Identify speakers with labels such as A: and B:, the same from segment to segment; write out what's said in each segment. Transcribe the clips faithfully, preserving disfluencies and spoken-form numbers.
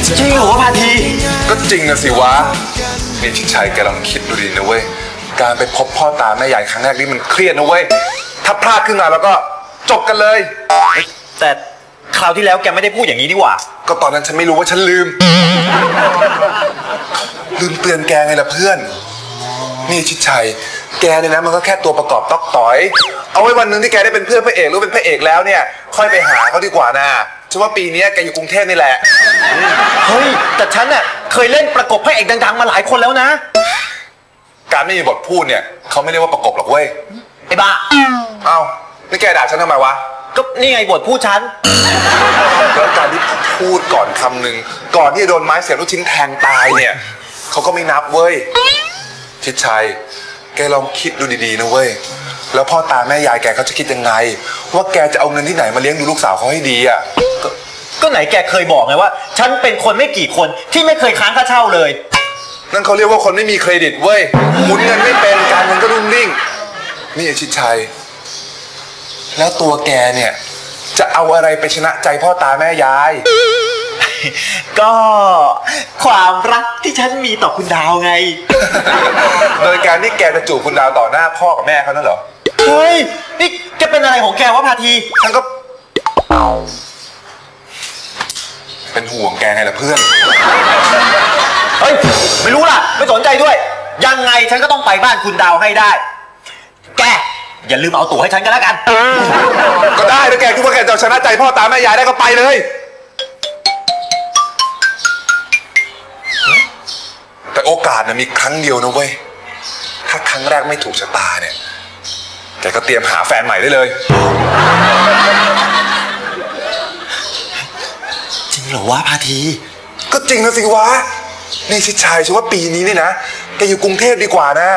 A: จริงเหรอพาที
B: ก็จริงนะสิวะนี่ชิดชัยแกลองคิดดูดีนะเว้ยการไปพบพ่อตาแม่ยายครั้งแรกนี่มันเครียดนะเว้ยถ้าพลาดขึ้นมาแล้วก็จบกันเลย
A: แต่คราวที่แล้วแกไม่ได้พูดอย่างนี้ดีกว่า
B: ก็ตอนนั้นฉันไม่รู้ว่าฉันลืมลืมเตือนแกไงล่ะเพื่อนนี่ชิดชัยแกเนี่ยนะมันก็แค่ตัวประกอบต๊อกต่อยเอาไว้วันนึงที่แกได้เป็นเพื่อนพระเอกหรือเป็นพระเอกแล้วเนี่ยค่อยไปหาเขาดีกว่านะฉันว่าปีนี้แกอยู่กรุงเทพนี่แหละ
A: เฮ้ยแต่ฉันน่ะเคยเล่นประกบพระเอกดังๆมาหลายคนแล้วนะ
B: การไม่มีบทพูดเนี่ยเขาไม่เรียกว่าประกบหรอกเว้ย
A: ไอ้บ้า
B: เอ้านี่แกด่าฉันทำไมวะ
A: ก็นี่ไงบทพูดฉัน
B: แล้วการที่พูดก่อนคำหนึ่งก่อนที่จะโดนไม้เสียบลูกชิ้นแทงตายเนี่ยเขาก็ไม่นับเว้ยชิดชัยแกลองคิดดูดีๆนะเว้ยแล้วพ่อตาแม่ยายแกเขาจะคิดยังไงว่าแกจะเอาเงินที่ไหนมาเลี้ยงดูลูกสาวเขาให้ดีอ่ะ
A: ก็ก็ไหนแกเคยบอกไงว่าฉันเป็นคนไม่กี่คนที่ไม่เคยค้างค่าเช่าเลย
B: นั่นเขาเรียกว่าคนไม่มีเครดิตเว้ยหมุนเงินไม่เป็นการเงินก็รุ่งริ่งนี่ชิดชัยแล้วตัวแกเนี่ยจะเอาอะไรไปชนะใจพ่อตาแม่ยาย
A: ก็ความรักที่ฉันมีต่อคุณดาวไง
B: โดยการที่แกจะจูบคุณดาวต่อหน้าพ่อกับแม่เขานั่นเหรอ
A: เฮ้ยนี่แกเป็นอะไรของแกวะพาที
B: ฉันก็เป็นห่วงแกไงล่ะเพื่อน
A: เฮ้ยไม่รู้ล่ะไม่สนใจด้วยยังไงฉันก็ต้องไปบ้านคุณดาวให้ได้แกอย่าลืมเอาตั๋วให้ฉันก็แล้วกัน
B: ก็ได้ถ้าแกคิดว่าแกจะชนะใจพ่อตาแม่ยายได้ก็ไปเลยแต่โอกาสน่ะมีครั้งเดียวนะเว้ยถ้าครั้งแรกไม่ถูกชะตาเนี่ยแกก็เตรียมหาแฟนใหม่ได้เลย
A: จริงเหรอวะพาที
B: ก็จริงนะสิวะนี่ชิดชัยฉันว่าปีนี้นี่นะแกอยู่กรุงเทพดีกว่านะ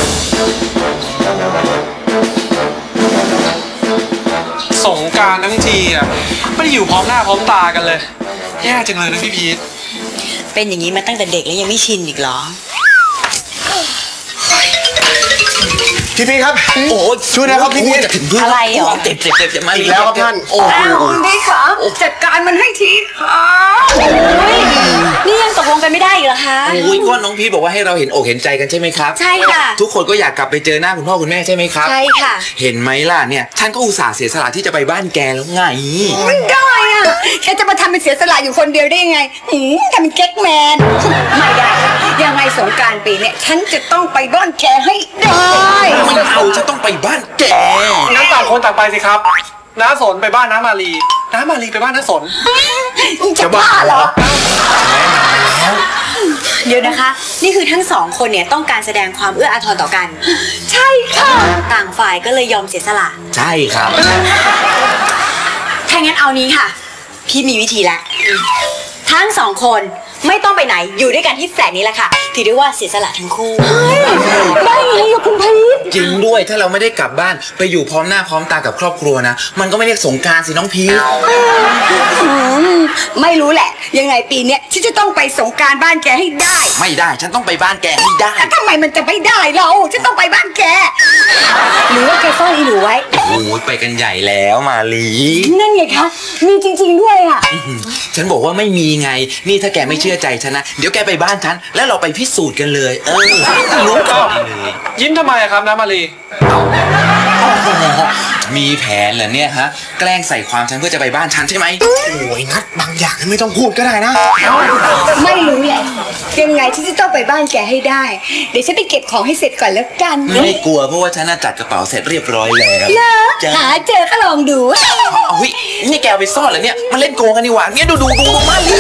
C: สงกรานต์ทั้งทีอ่ะไม่ได้อยู่พร้อมหน้าพร้อมตากันเลยแย่จังเลยนะพี่พีท
D: เป็นอย่างนี้มาตั้งแต่เด็กแล้วยังไม่ชินอีกเหรอ
A: พี่พีครับโอ้ช่วยนะครับพี่พีจะถึง
D: อะไรเหรอ
A: เจ็บเจ็บเจ็บจะมาอีกแล้วครับท่าน
D: โอ้โหพี่คะจัดการมันให้ทีค่ะนี่ยังตกลงกันไม่ได้อีกเหรอคะ
E: โอ้ยก็น้องพีทบอกว่าให้เราเห็นอกเห็นใจกันใช่ไหมครับ
D: ใช่ค่ะ
E: ทุกคนก็อยากกลับไปเจอหน้าคุณพ่อคุณแม่ใช่ไหมครับ
D: ใช่ค่ะ
E: เห็นไหมล่ะเนี่ยท่านก็อุตส่าห์เสียสละที่จะไปบ้านแกแล้วไง
D: ไม่ได้อะแกจะมาทำเป็นเสียสละอยู่คนเดียวได้ยังไงหืมทำเป็นเก๊กแมนไม่ได้ยังไงสงกรานต์ปีนี้ฉันจะต้องไปบ้านแกให้ได้
E: ไม่เอาจะต้องไปบ้านแก
C: งั้นต่างคนต่างไปสิครับน้าสนไปบ้านน้ามาลีน้ามาลีไปบ้านน้าสน
D: จะบ้าเหรอเดี๋ยวนะคะนี่คือทั้งสองคนเนี่ยต้องการแสดงความเอื้ออาทรต่อกันใช่ค่ะต่างฝ่ายก็เลยยอมเสียสละ
E: ใช่ครับ
D: ถ้างั้นเอานี้ค่ะพี่มีวิธีละทั้งสองคนไม่ต้องไปไหนอยู่ด้วยกันที่แฟลตนี้แหละค่ะถือได้ว่าเสียสละทั้งคู่ได้ไงอะคุณพีท
E: จริงด้วยถ้าเราไม่ได้กลับบ้านไปอยู่พร้อมหน้าพร้อมตากับครอบครัวนะมันก็ไม่เรียกสงกรานต์สิน้องพีท
D: ไม่รู้แหละยังไงปีนี้ฉันจะต้องไปสงกรานต์บ้านแกให้ได้
E: ไม่ได้ฉันต้องไปบ้านแกให้ได้
D: ทำไมมันจะไม่ได้เราฉันต้องไปบ้านแกหรือว่าแกซ่อนอีหนูไว้
E: โอ้ยไปกันใหญ่แล้วมาลี
D: นั่นไงคะมีจริงๆด้วยอ่ะ
E: ฉันบอกว่าไม่มีไงนี่ถ้าแกไม่เชื่อใจฉันนะเดี๋ยวแกไปบ้านฉันแล้วเราไปพิสูจน์กันเลยเออรู้กันเลย
C: ยิ้มทำไมครับน้ามาลี
E: มีแผนเหรอเนี่ยฮะแกล้งใส่ความฉันเพื่อจะไปบ้านฉันใช่ไหม
A: โอ้ยนัดบางอย่างไม่ต้องพูดก็ได้นะ
D: ไม่รู้แหละยังไงฉันจะต้องไปบ้านแกให้ได้เดี๋ยวฉันไปเก็บของให้เสร็จก่อนแล้วกัน
E: ไม่กลัวเพราะว่าฉันจัดกระเป๋าเสร็จเรียบร้อยแล้ว
D: เลิกหาเจอก็ลองดู
E: เอาเฮ้ยนี่แกไปซ่อนเหรอเนี่ยมาเล่นโกงกันดีกว่าเนี่ยดูดูดูดูมาดิ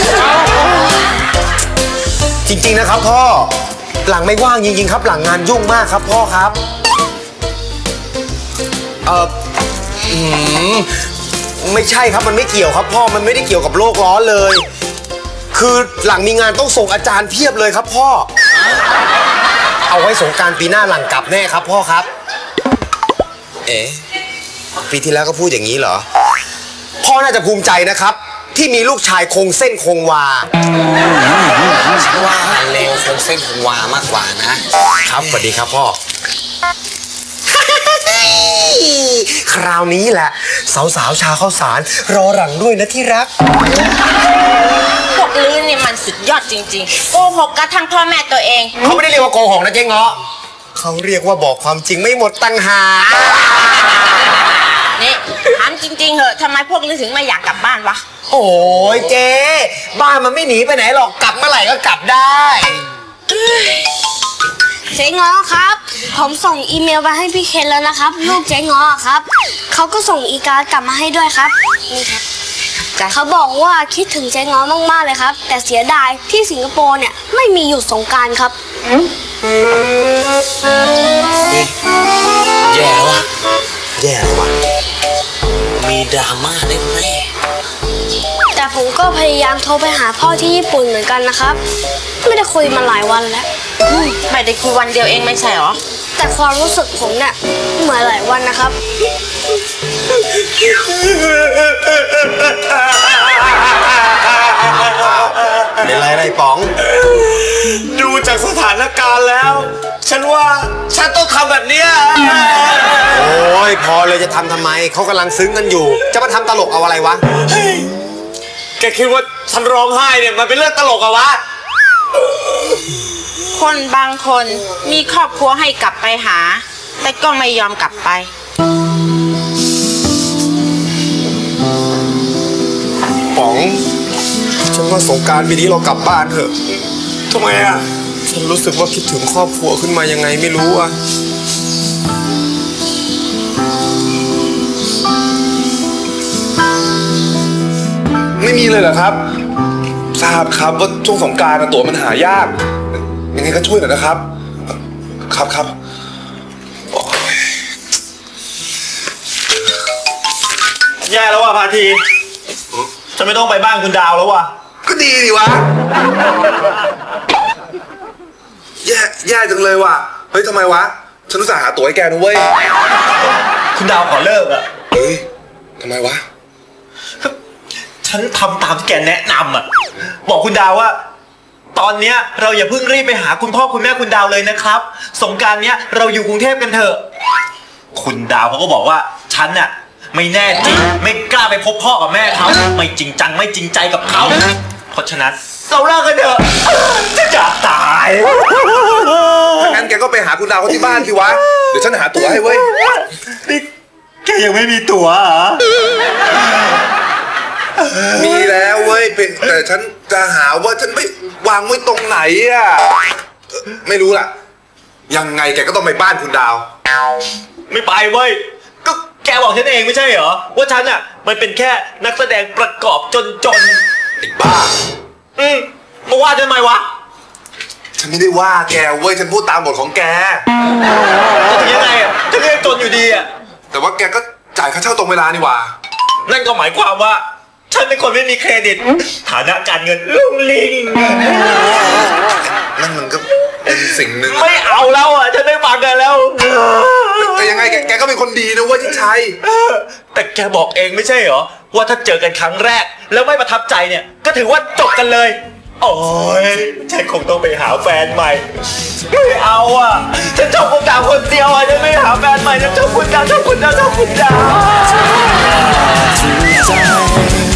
A: จริงๆนะครับพ่อหลังไม่ว่างจริงๆครับหลังงานยุ่งมากครับพ่อครับเอออืมไม่ใช่ครับมันไม่เกี่ยวครับพ่อมันไม่ได้เกี่ยวกับโลกร้อนเลยคือหลังมีงานต้องส่งอาจารย์เพียบเลยครับพ่อเอาไว้สงกรานต์ปีหน้าหลังกลับแน่ครับพ่อครับเอ๊ะปีที่แล้วก็พูดอย่างนี้เหรอพ่อน่าจะภูมิใจนะครับที่มีลูกชายคงเส้นคงวาฉันว่าเร็วคงเส้นคงวามากกว่านะครับสวัสดีครับพ่อคราวนี้แหละสาวๆชาวข้าวสารรอหลังด้วยนะที่รัก
F: พวกลื่นเนี่ยมันสุดยอดจริงๆโกหกกระทั่งพ่อแม่ตัวเอง
A: เขาไม่ได้เรียกว่าโกหกนะเจ๊เงาะเขาเรียกว่าบอกความจริงไม่หมดตั้งหาก
F: นี่ถามจริงๆเหอะทำไมพวกนี้ถึงไม่อยากกลับบ้านวะ
A: โอ้ยเจ๊บ้านมันไม่หนีไปไหนหรอกกลับเมื่อไหร่ก็กลับได้
G: เจ๊ง้อครับ ผมส่งอีเมลไปให้พี่เคนแล้วนะครับ ลูกเจ๊ง้อครับเขาก็ส่งอีการ์ดกลับมาให้ด้วยครับนี่ครับเขาบอกว่าคิดถึงเจ๊ง้อมากๆเลยครับ แต่เสียดายที่สิงคโปร์เนี่ยไม่มีหยุดสงกรานต์ครับ
E: แย่ว่ะ
A: แย่ว่ะ
E: มีดราม่าแน่
G: แต่ผมก็พยายามโทรไปหาพ่อที่ญี่ปุ่นเหมือนกันนะครับ ไม่ได้คุยมาหลายวันแล้ว
F: ไม่ได้คุยวันเดียวเองไม่ใช่หรอ
G: แต่ความรู้สึกผมเนี่ยเหมือนหลายวันนะครับ
A: เป็นไรไรป๋อง
C: ดูจากสถานการณ์แล้ว ฉันว่าฉันต้องทำแบบเนี้ย
A: โอ้ยพอเลยจะทำทำไมเขากำลังซึ้งกันอยู่ จะมาทำตลกเอาอะไรวะ
C: แกคิดว่าฉันร้องไห้เนี่ยมันเป็นเรื่องตลกอะวะ
F: คนบางคนมีครอบครัวให้กลับไปหา แต่ก็ไม่ยอมกลับไป
A: ป๋องฉันว่าสงกรานต์ปีนี้เรากลับบ้านเถอะ
C: ทำไมอะ
A: ฉันรู้สึกว่าคิดถึงครอบครัวขึ้นมายังไงไม่รู้อะ
B: ไม่มีเลยเหรอครับ ทราบครับว่าช่วงสงกรานต์ตั๋วมันหายาก ยังไงก็ช่วยหน่อยนะครับ ครับครับโอ้ย
C: แย่แล้วว่ะพาทีฉันไม่ต้องไปบ้านคุณดาวแล้วว่ะ
B: ก็ดีดิวะ แย่แย่จังเลยว่ะ เฮ้ยทำไมวะ ฉันรู้สึกหาตั๋วให้แกนะเว้ย
C: คุณดาวขอเลิกอะ
B: เฮ้ยทำไมวะ
C: ฉันทำตามที่แกแนะนำอะบอกคุณดาวว่า ตอนเนี้ยเราอย่าเพิ่งรีบไปหาคุณพ่อคุณแม่คุณดาวเลยนะครับสงกรานต์เนี้ยเราอยู่กรุงเทพกันเถอะคุณดาวเขาก็บอกว่าฉันน่ะไม่แน่จริงไม่กล้าไปพบพ่อกับแม่เขาไม่จริงจังไม่จริงใจกับเขาเพราะฉะนั้นเราเลิกกันเถอะจะจะตาย
B: ถ้างั้นแกก็ไปหาคุณดาวเขาที่บ้านสิวะ เดี๋ยวฉันหาตั๋วให้เว้ย
C: นี่แกยังไม่มีตั๋วเหรอ
B: มีแล้วเว้ยเป็นแต่ฉันจะหาว่าฉันไปวางไว้ตรงไหนอ่ะเอ่อไม่รู้ล่ะ ยังไงแกก็ต้องไปบ้านคุณดาว
C: ไม่ไปเว้ยก็แกบอกฉันเองไม่ใช่เหรอว่าฉันอ่ะมันเป็นแค่นักแสดงประกอบจนจน
B: ไอ้บ้า
C: อืมมาว่าฉันทำไมวะ
B: ฉันไม่ได้ว่าแกเว้ย ฉันพูดตามบทของแก
C: จะถึงยังไงอ่ะฉันก็ยังจนอยู่ดีอ่ะ
B: แต่ว่าแกก็จ่ายค่าเช่าตรงเวลานี่หว่า
C: นั่นก็หมายความว่า ฉันเป็นคนไม่มีเครดิต ฐานะการเงินลุ่งลิง
B: นั่นมันก็เป็นสิ่งหนึ่ง
C: ไม่เอาแล้วอ่ะฉันไม่ฟังกันแล้ว
B: แต่ยังไงแกแกก็เป็นคนดีนะเว้ยที่ชัย
C: แต่แกบอกเองไม่ใช่เหรอว่าถ้าเจอกันครั้งแรก แล้วไม่ประทับใจเนี่ย ก็ถือว่าจบกันเลย โอ้ยฉันคงต้องไปหาแฟนใหม่ไม่เอาอ่ะฉันชอบคุณดาวคนเดียวอ่ะฉันไม่หาแฟนใหม่ฉันชอบคุณดาวชอบคุณดาวชอบคุณดาว